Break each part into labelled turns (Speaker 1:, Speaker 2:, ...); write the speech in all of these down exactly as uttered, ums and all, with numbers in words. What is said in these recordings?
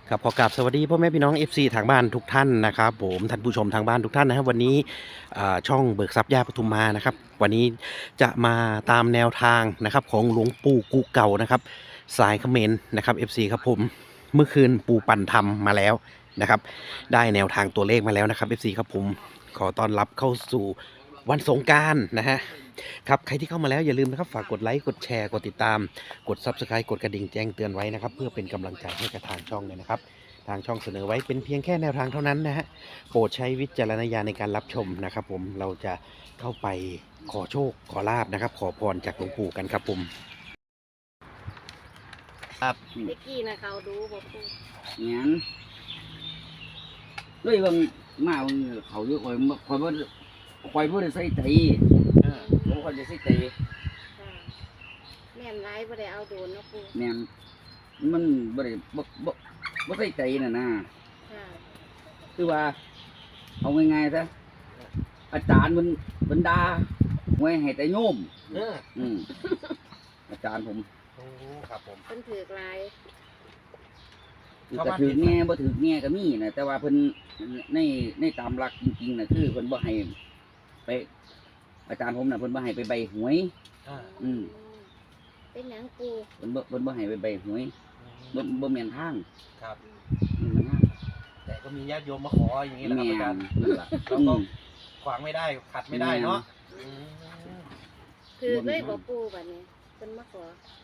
Speaker 1: ครับขอกราบสวัสดีพ่อแม่พี่น้อง เอฟ ซี ทางบ้านทุกท่านนะครับผมท่านผู้ชมทางบ้านทุกท่านนะครับวันนี้อ่าช่องเบิกทรัพย์ย่าปทุมมานะครับวันนี้จะมาตามแนวทางนะครับของหลวงปู่กูเก่านะครับสายเขมรนะครับ เอฟ ซี ครับผมเมื่อคืนปู่ปั่นทำมาแล้วนะครับได้แนวทางตัวเลขมาแล้วนะครับ เอฟ ซี ครับผมขอต้อนรับเข้าสู่วันสงกรานต์นะฮะครับใครที่เข้ามาแล้วอย่าลืมนะครับฝากกดไลค์กดแชร์กดติดตามกด ซับสไครบ์ กดกระดิ่งแจ้งเตือนไว้นะครับเพื่อเป็นกำลังใจให้กับทางช่องเลยนะครับทางช่องเสนอไว้เป็นเพียงแค่แนวทางเท่านั้นนะฮะโปรดใช้วิจารณญาณในการรับชมนะครับผมเราจะเข้าไปขอโชคขอลาบนะครับขอพรจากหลวงปู่กันครับผมครับ
Speaker 2: เด็กกี้นะเขาดูบอกปู
Speaker 3: งั้นด้วยบางมาบางเขาเยอะคอยคอยว่าคอยว่าได้ใส่ใจผมคอยจะใส่ใจ
Speaker 2: ค่ะแม่นไรบ่ได้เอาโดนเนาะปู
Speaker 3: แม่นมันบ่ได้บ่บ่บ่ใส่ใจน่ะนะ
Speaker 2: ค่ะ
Speaker 3: คือว่าเอาง่ายๆซะอาจารย์มันบรรดาไว้ให้แต่โยม
Speaker 1: เออ
Speaker 3: อืมอาจารย์ผม
Speaker 1: โอ้ครับผม
Speaker 2: เพิ่นถือกลาย
Speaker 3: คือก็ถือแง่บ่ถือแง่ก็มีนะแต่ว่าเพิ่นในในตามหลักจริงๆน่ะคือเพิ่นบ่ให้ไป อาจารย์ผมน่ะเพิ่นบ่ให้ไปใบหวย
Speaker 1: อ่า
Speaker 3: อืม
Speaker 2: เป็นหยังปู
Speaker 3: เพิ่นบ่เพิ่นบ่ให้ไปใบหวยบ่บ่แม่นทาง
Speaker 1: ครับ
Speaker 3: อืมมันทาง
Speaker 1: แต่ก็มีญาติโยมมาขออย่างนี้แหละ
Speaker 3: แม่
Speaker 1: ครับอาจาร
Speaker 3: น
Speaker 1: ย์
Speaker 3: นั่นล่ะ
Speaker 1: แล้ว
Speaker 3: อื
Speaker 1: ก็
Speaker 3: ม
Speaker 1: ขวางไม่ได้ขัดไม่ได้เนาะอืม
Speaker 2: ถือเลยบอกปูบัดนี้เพิ่นมาขอบ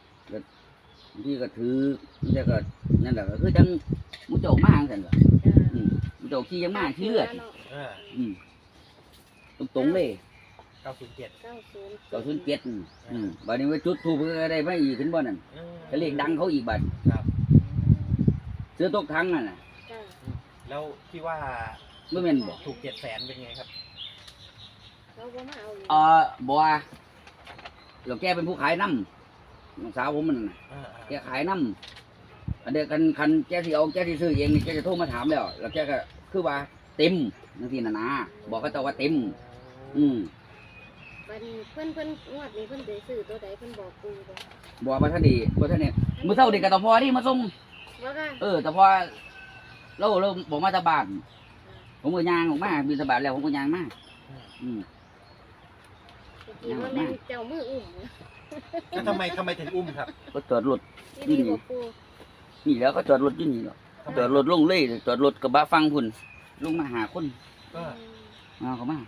Speaker 3: างทีก็ถือแต่ก็นั่นแหละก็คือจังมุโจกมาจังซั่นล่ะ
Speaker 2: จ้า
Speaker 3: อืมมุโจกขี้ยังมาขี้เลือด
Speaker 1: เออ
Speaker 3: อืมตรงๆเลย
Speaker 1: เก้าศูนย์เจ็ด
Speaker 2: เก้าศูนย์
Speaker 3: ก็ขึ้นเจ็ดอืมบัดนี้ว่าจุดธูปก็ได้มาอีกขึ้นบ่นั่น
Speaker 1: เออ
Speaker 3: ก็เลขดังเขาอีกบัด
Speaker 1: ครับ
Speaker 3: เสื้อตกทั้งนั่นน่ะ
Speaker 2: จ้า
Speaker 1: แล้วที่ว่า
Speaker 3: บ่แม่นบ่
Speaker 1: ถูกเจ็ดแสนเป็นไงครับ
Speaker 2: เขาบ่มาเอาอีก
Speaker 3: เอ่อบ่ว่าแล้วแกเป็นผู้ขายน้ำน้องสาวผมมันน่ะ
Speaker 1: เออ
Speaker 3: แกขายน้ำอันเดียวกันคันแกสิเอาแกสิซื้อเองนี่แกจะโทรมาถามแล้ว แล้วแกก็คือว่าเต็มจังซี่น่ะนะบอกเขาเจ้าว่าเต็ม อืม
Speaker 2: บัดนี้เพิ่นเพิ่นงวดนี้เพิ่นได้ซื้อตัวใดเพิ่นบอกปูบ่
Speaker 3: บอกว่าท่านดีบ่ท่านนี่มื้อเช้านี่ก็ตะพอนี่มาส่ง
Speaker 2: ว่าค่ะ
Speaker 3: เออตะพอเราเราบอกมาตะบานผมก็ย่างออกมาบินตะบานแล้วผมก็ย่างมาอืม
Speaker 2: เมื่อกี้ว่าแม่นเจ้ามืออุ้ม
Speaker 1: แล้วทำไมทำไมถึงอุ้มครับ
Speaker 3: ก็จอดรถ
Speaker 2: ที่นี่บอกปู
Speaker 3: นี่แล้วก็จอดรถอยู่นี่หรอกจอดรถลงเลยจอดรถกระบะฟังพุ่นลงมาหาคน
Speaker 1: เออ
Speaker 3: มาเขามา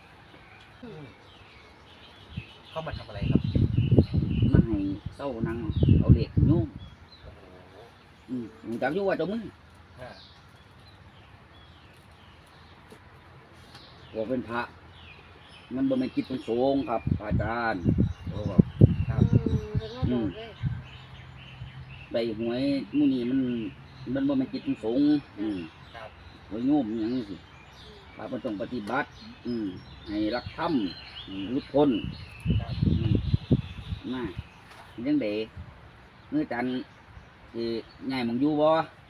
Speaker 1: เข้ามาทำอะไรครับ
Speaker 3: มาให้เต้านั่งเอาเหล็กโยม
Speaker 1: โอ้โห
Speaker 3: อืมผมจักอยู่ว่าเจ้ามือ
Speaker 1: อ่า
Speaker 3: บอกเป็นพระ มันบ่แม่นกิจเป็นสงฆ์ครับอาจารย์โอ้บอก
Speaker 1: ครับ
Speaker 2: อืมเพิ่นมาบอกเลย
Speaker 3: ใบหวยหมู่นี้มันมันบ่แม่นกิจเป็นสงฆ์อืม
Speaker 1: ครับ
Speaker 3: หวยโยมอหย่างนี้สิพระมันต้องปฏิบัติ อืมให้รักธรรมอืมรุดพ้น
Speaker 1: ครับ
Speaker 3: อืมมายังเด็กเมื่อจันทร์สิใหญ่หมองอยู่บ่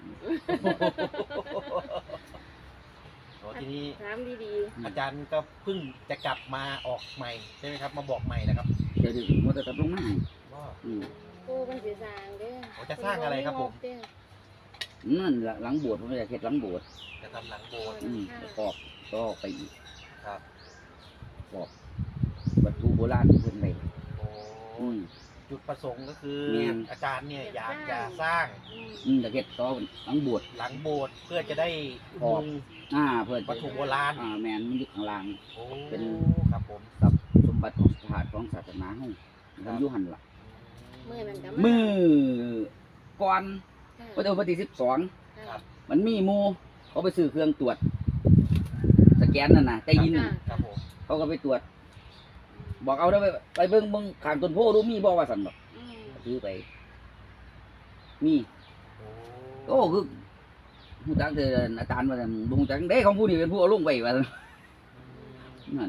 Speaker 1: โอ้ทีนี้
Speaker 2: ถามดี
Speaker 1: อาจารย์ก็เพิ่งจะกลับมาออกใหม่ใช่ไหมครับ มาบอกใหม่นะครับ
Speaker 3: เดี๋ยวนี้มันจะกลับลงมาให้
Speaker 1: ว่า
Speaker 3: อืม
Speaker 2: ๆปูมันสิสร้างเด้อ
Speaker 1: โอ้จะสร้างอะไรครับผม
Speaker 2: เด้อ
Speaker 3: นั่นล่ะหลังโบสถ์ผมอยากเฮ็ดหลังโบสถ์
Speaker 1: จะทำหลังโบสถ์
Speaker 3: อืมประกอบก็ไปอีก
Speaker 1: ครับ
Speaker 3: ประกอบวัตถุโบราณที่เพิ่นได้
Speaker 1: โอ้
Speaker 3: อืม
Speaker 1: จุดประสงค์ก็คือ
Speaker 3: แม่น
Speaker 1: อาจารย์เนี่ยอยากจะสร้าง
Speaker 2: อืม
Speaker 3: อืมอยากเฮ็ดต่อหลังโบสถ์
Speaker 1: หลังโบสถ์เพื่อจะได้
Speaker 3: ขอบ
Speaker 1: มุง
Speaker 3: อ่าเพื่อ
Speaker 1: วัตถุโบราณ
Speaker 3: อ่าแม่นมันอยู่ข้างล่าง
Speaker 1: โอ้
Speaker 3: เป็น
Speaker 1: ครับผม
Speaker 3: กับสมบัติของสถานของศาสนาเฮามันอยู่หั่นล่ะ
Speaker 2: มื้อนั้นก็
Speaker 3: มือก่อน
Speaker 2: ค่ะ
Speaker 3: วันที่วันที่สิบสอง
Speaker 2: ค่ะ
Speaker 3: มันมีหมู่เขาไปซื้อเครื่องตรวจสแกนนั่นน่ะใต้ยินน่ะ
Speaker 1: ครับผม
Speaker 3: เขาก็ไปตรวจ บอกเอาได้ไปไปเบิ่งเบิ่งข้างต้นโพดูมีบ่ว่าสั่นบ่
Speaker 2: อืม
Speaker 3: ซื้อไป มี
Speaker 1: โอ้
Speaker 3: โอ้คือฮู้จักแต่อาจารย์ว่าซั่นบ่ฮู้จักเด้ของผู้นี้เป็นผู้เอาลงไว้ว่าซั่นนั่น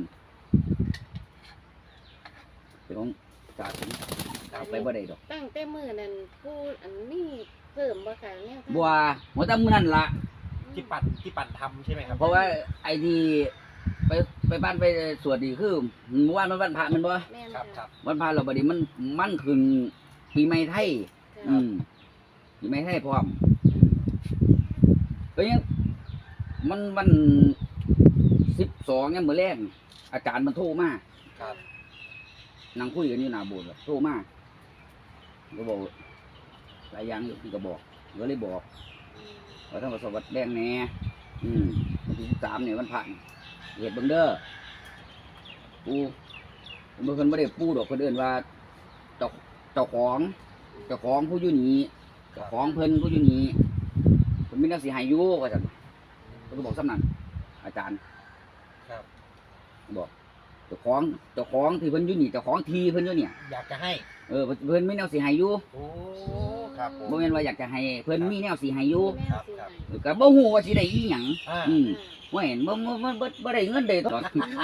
Speaker 3: เป็นของศาสนาเอาไปบ่ได้ดอก
Speaker 2: ตั้งแต่มื้อนั้นปูอันนี้เพิ่มบ่ค่ะแนวทาง
Speaker 3: บัวหัวตามื้อนั่นล่ะ
Speaker 1: ที่ปั่นที่ปั่นทำใช่ไหมครับ
Speaker 3: เพราะว่าไอ้ที่ไปไปบ้านไปสวดดีคือเมื่อวานมันวันพระแมันบ่
Speaker 2: แม่น
Speaker 1: ครับครั
Speaker 2: ค่ะ
Speaker 1: บ
Speaker 3: วันพระเราบัดนี้มันมันขึ้นปีใหม่ไทย
Speaker 2: ค่ะ
Speaker 3: อืมปีใหม่ไทยพร้อมก็ยังมันวันสิบสองยังมื้อแรกอาจารย์มันโทรมา
Speaker 1: ครับ
Speaker 3: นั่งคุยกันอยู่หน้าโบสถ์โทรมาก็บอกหลายอย่างอยู่ที่ก็บอกก็เลยบอกว่าทั้งประสบวัดแดงแน่อืมวันที่สิบสามเนี่ยวันพระนี่เหตุเบิ่งเด้อปูเมื่อคนไม่ได้ปูดอกคนอื่นว่าเจ้าเจ้าของเจ้าของผู้อยู่นี่เจ้าของเพิ่นผู้อยู่นี่ผมมีนักสิหายอยู่ว่าจังเขาก็บอกสำนักอาจารย์
Speaker 1: ครับ
Speaker 3: บอกเจ้าของเจ้าของที่เพิ่นอยู่นี่เจ้าของทีเพิ่นอยู่เนี่ย
Speaker 1: อยากจะให้
Speaker 3: เออเพิ่นมีแนวสิหายอยู่
Speaker 1: โอ้ครับผม
Speaker 3: บ่แม่นว่าอยากจะให้เพิ่นมีแนวสิให้อยู่
Speaker 2: แม่
Speaker 1: ครับ
Speaker 2: สิ
Speaker 1: ครับ
Speaker 2: ให้
Speaker 3: ก็บ่ฮู้ว่าสิได้อีหยัง
Speaker 1: อ่า
Speaker 3: อืมบ่เห็นบ่บ่บ่บ่บ่ได้เงินเด้ตอน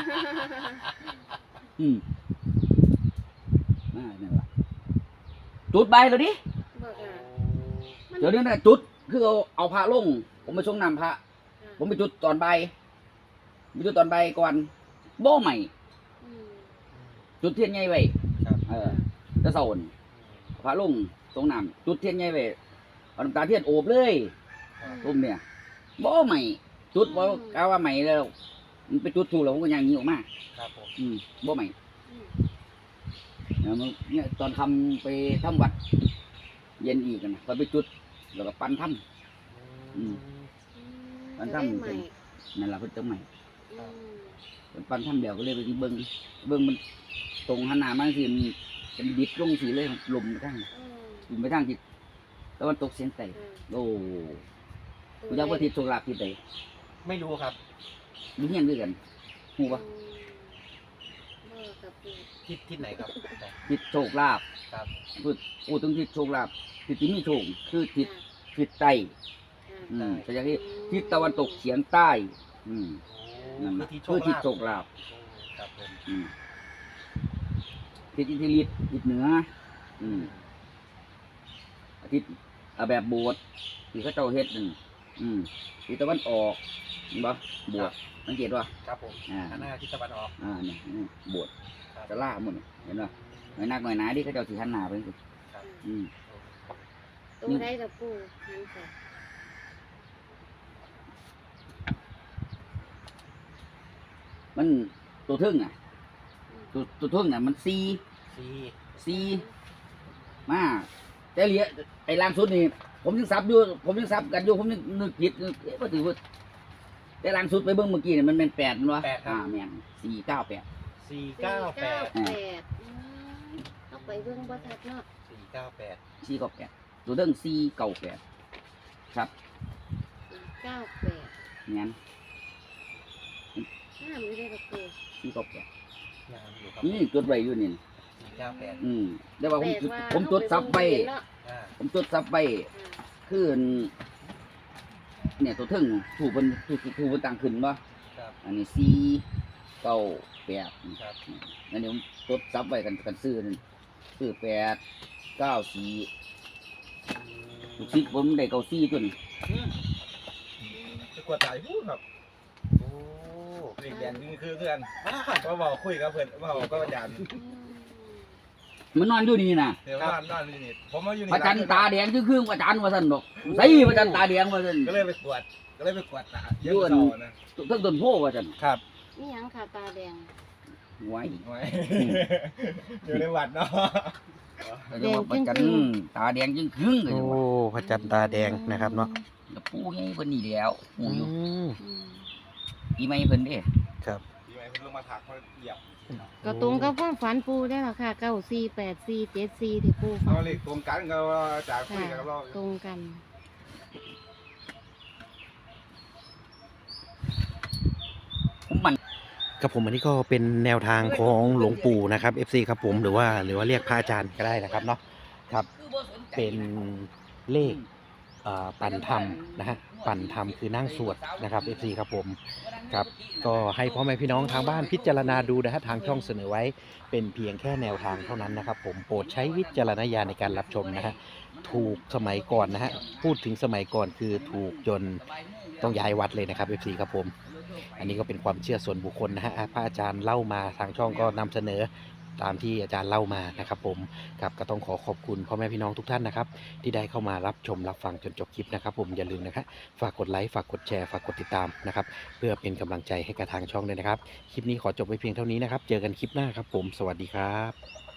Speaker 3: อืมอ่านั่นล่ะจุดใบแล้วดิ
Speaker 2: บอกอ่ะมัน
Speaker 3: เดี๋ยวนี้น่ะจุดคือเอาเอาพระลง ผมไปส่งน้ำพระ ผมไปจุดตอนใบายไปจุดตอนใบายก่อนบ่ใหม่
Speaker 2: อืม
Speaker 3: จุดเทียนใหญ่ไว้
Speaker 1: ครับ
Speaker 3: เออจะเศร้านี่เอาพระลงส่งน้ำจุดเทียนใหญ่ไว้เอาน้ำตาเทียนโอบเลย ตุ้มเนี่ยบ่ใหม่จุดบ่กาว่าใหม่แล้วมันไปจุดถูกแล้วผมก็ยังยิงออกมา
Speaker 1: ครับผม
Speaker 3: อืมบ่ใหม่
Speaker 2: อืม
Speaker 3: เนี่ยมันเนี่ยตอนทำไปทำวัด เย็นอีกนะก็ไปจุดแล้วก็ปั้นทำ อืม มัน
Speaker 2: จะ
Speaker 3: ทำ
Speaker 2: ได้ใหม่
Speaker 3: นั่นล่ะเพิ่นจะใหม่
Speaker 2: อืม
Speaker 3: เพิ่นปั้นทำเดียวก็เลยไปเบิ่งเบิ่งมันตรงหันหน้ามาสิมันเป็นดิบลงสีเลยลมไปทาง
Speaker 2: อืม
Speaker 3: ลมไปทางทิศตะวันตกเฉียงใต้
Speaker 2: อืม
Speaker 3: โอ้กูจักว่าทิศโชคลาภทิศใด
Speaker 1: ไม่รู้ครับ
Speaker 3: มีเฮียนด้วยกันฮู้ปะ
Speaker 2: อืมบ่กับปู่
Speaker 1: ทิศทิศไหนครับ
Speaker 3: ทิศโชคลาภ
Speaker 1: ครับ
Speaker 3: พูดพูดถึงทิศโชคลาภทิศที่มีโชคคือทิศ
Speaker 2: ค่ะ
Speaker 3: ทิศใต้
Speaker 2: ค่ะ
Speaker 3: อืมแต่อย่างที่ทิศตะวันตกเฉียงใต้ อืมนั่น
Speaker 1: คื
Speaker 3: นะ
Speaker 1: อทิศโช
Speaker 3: คือ
Speaker 1: ค
Speaker 3: ทิศ
Speaker 1: ลาภ
Speaker 3: โชคลาภ
Speaker 1: ครับผม
Speaker 3: อืมทิศอิทธิฤทธิ์ทิศเหนือ อืมอาทิตย์อ่ะแบบโบสถ์ที่เขาเจ้าเฮ็ดนั่นอืมทิศตะวันออกเห็นบ่โบสถ์สังเกตว่า
Speaker 1: ครับผม
Speaker 3: อ่า
Speaker 1: หันหน้าทิศตะวันออก
Speaker 3: อ่าเนี่ยนี่โบสถ์
Speaker 1: ครับ
Speaker 3: จะล่าหมดนี่เห็นบ่หน่อยนักหน่อยหนาที่เขาเจ้าสิหันหน้าไปสิ
Speaker 1: ครับ
Speaker 3: อืม
Speaker 2: ตัวได้กับปู่หันไป
Speaker 3: มันตัวทึ่งอ่ะ ตัวตัวทึ่งอ่ะมันซี
Speaker 1: ซี
Speaker 3: ซีมาแต่เหลียไอ้ล่างสุดนี่ผมยังซับอยู่ผมยังซับกันอยู่ผมยังนึกผิดนึกเอ๊ะว่าถือว่าแต่ล่างสุดไปเบิ่งเมื่อกี้เนี่ยมันเป็นแปดมันวะอ่าแม่นสี่เก้าแปด
Speaker 1: สี่เก้าแปด
Speaker 2: สี่เก้าแปดอืมเอาไปเบิ่งบ่ทัดเนาะ
Speaker 1: สี่เก้าแปด
Speaker 3: สี่เก้าแปดตัวเรื่องสี่เก้าแปดครับ
Speaker 2: สี่เก้าแปด
Speaker 3: แม่น
Speaker 2: ห้ามไม่ได้กับปู่
Speaker 3: สี่เก้าแปด
Speaker 1: งามอยู่ครับ
Speaker 3: นี่จดไว้อยู่นี่
Speaker 1: สี่เก้าแปด
Speaker 3: อืมแต่ว่าผม
Speaker 2: แปลว่า
Speaker 3: ผมจดซับไว้
Speaker 2: เนาะ
Speaker 1: อ่า
Speaker 3: ผมจดซับไว้
Speaker 2: อ่า
Speaker 3: คือเนี่ยตัวเทึ่งถูกเพิ่นถูกถูกเพิ่นตั้งขึ้นบ่
Speaker 1: ครับ
Speaker 3: อันนี้สี่เก้าแปด
Speaker 1: ครับ
Speaker 3: อันนี้ผมจดซับไว้กันกันซื้อนั่นซื้อแปดเก้าสี่ลูกศิษย์ผมได้เก้าสี่ตัวนี้
Speaker 4: จะกวดตายพูดครับ
Speaker 1: โอ้
Speaker 4: เรียนเรียนนี่คือเพื่อนว่าบอกคุยกับเพื่อนว่าบอกกับอาจารย์
Speaker 2: อืม
Speaker 3: มันนอนอยู่นี่นะ
Speaker 4: เดี๋ยวบ้านบ้านนี่นี่ผมมาอยู่
Speaker 3: พ
Speaker 4: นี่
Speaker 3: ระจันทร์ตาแดงครึ่งๆพระจันทร์ว่าซั่นดอกใส่พระจันทร์ตาแดงว่าซั่น
Speaker 4: ก็เลยไปกวดก็เลยไปกวดตาเยอะเสานะ
Speaker 3: เทั้งต้นโพว่าซั่น
Speaker 4: ครับ
Speaker 2: นี่หยังค่ะตาแดง
Speaker 3: ไว้
Speaker 4: ไว้อยู่ในวัดเนาะ
Speaker 3: ก็จะว่าพระจันทร์ตาแดงจึงครึ่งก็
Speaker 1: โอ้
Speaker 3: จะว่า
Speaker 1: พระจันทร์ตาแดงนะครับเนาะ
Speaker 3: แล้วปู่ใหญ่เพิ่นนี่แล้วปู่อยู่
Speaker 1: อืม
Speaker 2: อืม
Speaker 3: อีไม่เพิ่นเด้
Speaker 1: ครับ
Speaker 4: ที่ไหนเพิ่นลงมาถักเขาเหยียบ
Speaker 2: ก็ตรงกับความฝันปูได้หรอค่ะเก้าสี่แปดสี่เจ็ดสี่ที่ปูฝั
Speaker 4: เขา
Speaker 2: น
Speaker 4: เรียกตรงกันก็ว่าอาจารย์คุย
Speaker 2: ค่ะ
Speaker 4: กับเรา
Speaker 2: ตรงกัน
Speaker 3: ผมมัน
Speaker 1: ครับผมอันนี้ก็เป็นแนวทางของหลวงปู่นะครับ เอฟ ซี ครับผมหรือว่าหรือว่าเรียกพระอาจารย์ก็ได้นะครับเนาะครับเป็นเลขเอ่อปั่นธรรมนะฮะปั่นธรรมคือนั่งสวดนะครับ เอฟ ซี ครับผมครับก็ให้พ่อแม่พี่น้องทางบ้านพิจารณาดูนะฮะทางช่องเสนอไว้เป็นเพียงแค่แนวทางเท่านั้นนะครับผมโปรดใช้วิจารณญาณในการรับชมนะฮะถูกสมัยก่อนนะฮะพูดถึงสมัยก่อนคือถูกจนต้องย้ายวัดเลยนะครับ เอฟ ซี ครับผมอันนี้ก็เป็นความเชื่อส่วนบุคคลนะฮะพระอาจารย์เล่ามาทางช่องก็นำเสนอตามที่อาจารย์เล่ามานะครับผมครับก็ต้องขอขอบคุณพ่อแม่พี่น้องทุกท่านนะครับที่ได้เข้ามารับชมรับฟังจนจบคลิปนะครับผมอย่าลืมนะครับฝากกดไลค์ฝากกดแชร์ฝากกดติดตามนะครับเพื่อเป็นกำลังใจให้กับทางช่องด้วยนะครับคลิปนี้ขอจบไว้เพียงเท่านี้นะครับเจอกันคลิปหน้าครับผมสวัสดีครับ